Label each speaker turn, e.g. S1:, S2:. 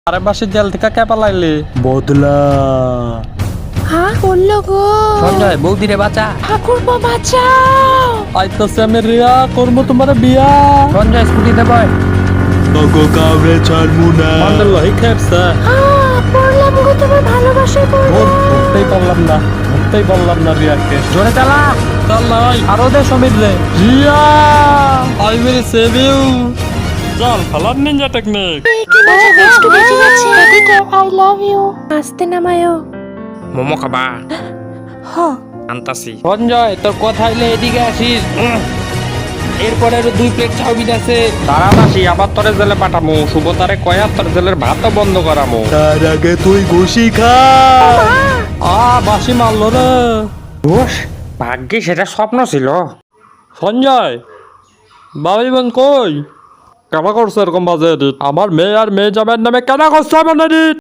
S1: আরে বাসে জেল থেকে কে পালাইলি?
S2: বদলা
S3: হ্যাঁ করলো গো
S4: সঞ্জয় বৌদিরে বাঁচা।
S3: ঠাকুরপো বাঁচাও।
S1: আইতাছে আমি রিয়া করবো তোমার বিয়া।
S4: সঞ্জয় স্কুটিতে বয়।
S2: তোকে কাউরে ছাড়মু না।
S1: আমাদের লহি খেপছে।
S3: পড়লাম গো তোমার ভালোবাসায় পড়লাম।
S1: ধরতেই পারলাম না, ধরতেই পারলাম না রিয়াকে।
S4: জোরে চালা।
S1: চল নাই
S4: আরো দে সমীর রে।
S1: Riya I will save you. চল ফালার নিনজা টেকনিক।
S3: কি মজা বেস্ট বেঁচে গেছে। এদিকে আই লাভ ইউ আস্তে নামায়ো।
S4: মোমো খাবা?
S3: হ
S4: আনতাছি। সঞ্জয় তোর কথা হইলে এদিকে আসিস। এরপরে আরো 2 প্লেট চাউমিন আছে। তাড়াতাড়ি আবার তোরে জেলে পাঠামু। সুবতারে কয়া তোর জেলের ভাতও বন্ধ করামু।
S2: তার আগে তুই ঘুষি খা।
S1: বাসি মারলো রে।
S4: ঘোষ ভাগ্যে সেটা স্বপ্ন ছিল।
S1: সঞ্জয় বাবি বোন কই? কেন করছো এরকম বাজে এডিট? আমার মেয়ে আর মেয়ে জামাইয়ের নামে কেন করছো এমন এডিট?